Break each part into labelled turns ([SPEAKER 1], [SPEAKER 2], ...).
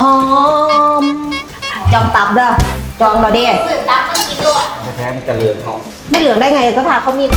[SPEAKER 1] หอมจองตับเด้อจองเราเด้ซื้อตับมากินด้วย
[SPEAKER 2] แท้ๆมันจะเหลืองหอม
[SPEAKER 1] ไม่เหลืองได้ไงก็ทาเขามี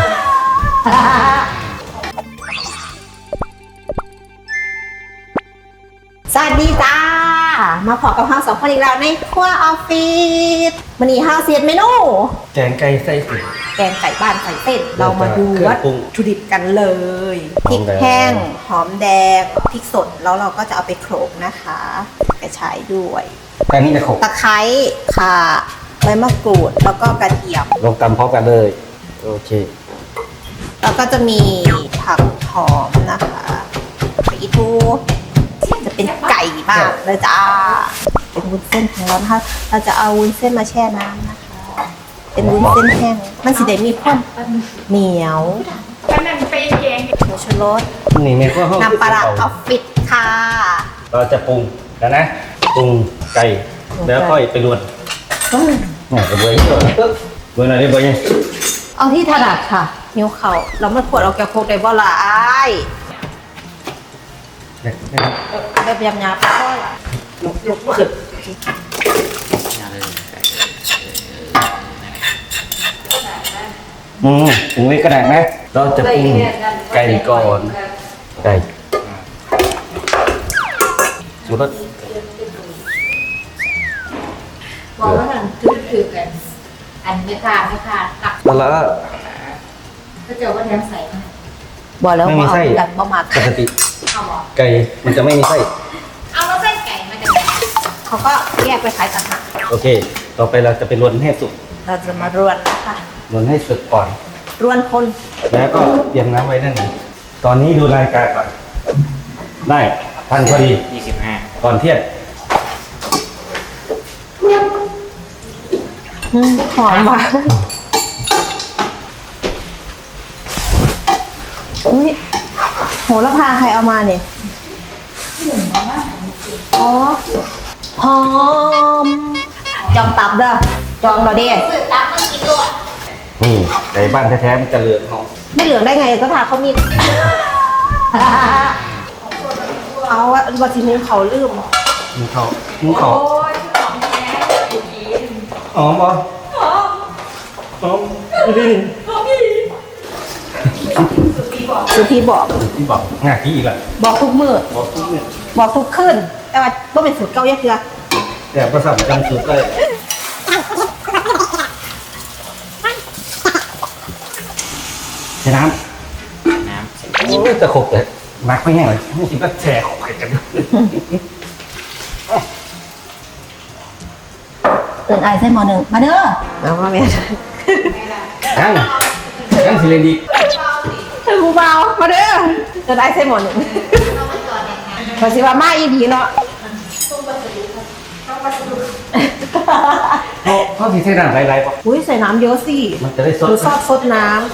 [SPEAKER 1] สวัสดีจ้ามาพบกับเราสองคนอีกแล้วในครัวออฟฟิศวันนี้เราเสียดเมนู
[SPEAKER 2] แกงไก่ไส้เส้น
[SPEAKER 1] แกงไก่บ้านใส่เส้นเรามาดูวัตถุดิบกันเลยพริกแห้งหอมแดงพริกสดแล้วเราก็จะเอาไปโขลกนะคะกระชายด้วย
[SPEAKER 2] แกงนี้จะโขลก
[SPEAKER 1] ตะไคร้ข่าใบมะกรูดแล้วก็กระเทียม
[SPEAKER 2] ลงตำพร้อมกันเลยโอเค
[SPEAKER 1] แล้วก็จะมีผักหอมนะคะไปอีทูจะเป็นไก่บ้างเลยจ้าเป็นวุ้นเส้นของเรานะคะเราจะเอาวุ้นเส้นมาแช่น้ำนะคะเป็นวุ้นเส้นแห้งมันสิได้มีความเหนียวหมูชูรส
[SPEAKER 2] นี่แม่ก็
[SPEAKER 1] น้ำปลาร้าออฟฟิศค่ะ
[SPEAKER 2] เราจะปรุงแล้วนะปรุงไก่แล้วค่อยไปรวนเนี่ยกระเบื้องเบื้องไหนได้เบื้องยัง
[SPEAKER 1] เอาที่ถนัดค่ะนิ้วเขาเราไม่ขวดเอาแกโคกได้บ่ล่ะไอ้แบบยำๆไปก็ล่ะลุกขึ้น
[SPEAKER 2] ปรุงไว้กระดาษนะเราจะปรุงไก่ก่อนไก่ชูรส
[SPEAKER 1] บอกว่ามันคือกันอันไม่ขาดตัก
[SPEAKER 2] แล้ว
[SPEAKER 1] ก็เจอว่าแทงใส่บอกแล้วว่าเอาดันบ่มา
[SPEAKER 2] ปกติไก่มันจะไม่มีไส้
[SPEAKER 1] เอาแล้วไส้ไก่มาจากไหนเขาก็แยกไปขายต่างหาก
[SPEAKER 2] โอเคต่อไปเราจะไปรวนให้สุก
[SPEAKER 1] เราจะมารวนนะคะ
[SPEAKER 2] รวนให้สุกก่อน
[SPEAKER 1] รวนคน
[SPEAKER 2] แล้วก็เตรียมน้ำไว้นั่นเองตอนนี้ดูรายการก่อนได้ทันพอดี25ก่อนเที่ยง
[SPEAKER 1] หอมว่ะอุ้ยโหระพาใครเอามาเนี่ยอ๋อหอมจองตับเด้อจองเราเด้ซื้อตับมากินด้วย
[SPEAKER 2] นี่ไก่บ้านแท้ๆมันจะเหลืองหอม
[SPEAKER 1] ไม่เหลืองได้ไงก็ทาเขามีเอาวัตถุดิบเขาลืม
[SPEAKER 2] มุ้งเขาหอมป่ะหอมดี
[SPEAKER 1] สุธีบอก
[SPEAKER 2] งาขี้อีกแล้ว
[SPEAKER 1] บอกทุกมือบอกทุกขึ้นแต่ว่าต้องเป็นสูตรเก่าเยอะเกิน
[SPEAKER 2] แต่ประสบจำสูตรได้ใช้น้ำโอ้ยจะขบเลยมักไม่แห้งเลยไม่คิดว่าแฉะขบกัน
[SPEAKER 1] ตื่นไอเส้นมอหนึ่งมาเด้อเอามาเมีย
[SPEAKER 2] ยังสิเลนดี
[SPEAKER 1] คือกูเบามาเด้อตื่นไอเส้นมอหนึ่งพอสิว่ามาอีดีเนาะ
[SPEAKER 2] เขาสิใส่น้ำไรๆป่ะ
[SPEAKER 1] อุ้ยใส่น้ำเยอะสิ
[SPEAKER 2] มันจะได้สด
[SPEAKER 1] หรือซดน้ำ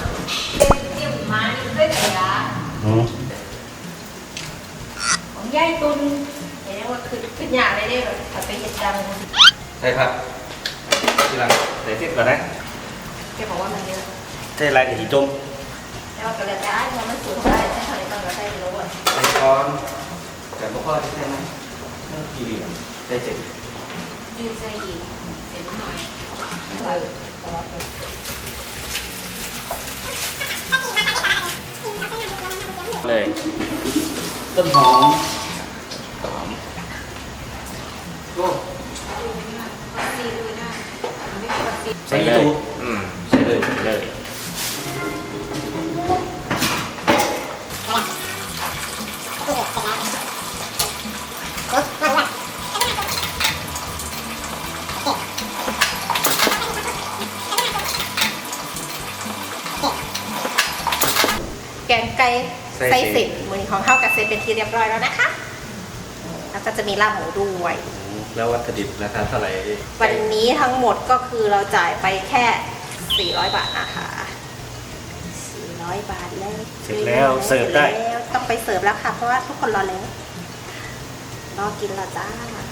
[SPEAKER 1] ของย่ายตุนเห็นว่าขึ้นยาได้เลยไปเห็ดจัง
[SPEAKER 2] ใช่ครับทีหลังใส่เส้นก่อนนะ
[SPEAKER 1] แกบอกว่ามันเยอะ
[SPEAKER 2] ใส่ลายกับหีจม
[SPEAKER 1] แต่ว่ากระดาษมันสูงได้ใช่ไหมต้องกระใส่ไปแล้วอ่ะ
[SPEAKER 2] ใส่ก้อนแต่พวกพ่อใช่ไหมกี่เหลี่ยมใส่เจ็ด
[SPEAKER 1] ยืดใส่อีกเสร็จหน่อย
[SPEAKER 2] เลยต้นหอมใส่เลยใส่เลย
[SPEAKER 1] แกงไก่ไส้สิบมือของข้าวกับเซตเป็นที่เรียบร้อยแล้วนะคะแล้วก็จะมีลาบหมูด้วย
[SPEAKER 2] แล้ววัตถุดิบราคาเท่าไหร่
[SPEAKER 1] วันนี้ทั้งหมดก็คือเราจ่ายไปแค่400 บาทนะคะ400 บาทแล้ว
[SPEAKER 2] เสร็จแล้วเสิร์ฟได้
[SPEAKER 1] ต้องไปเสิร์ฟแล้วค่ะเพราะว่าทุกคนรอแล้วรอกินแล้วจ้า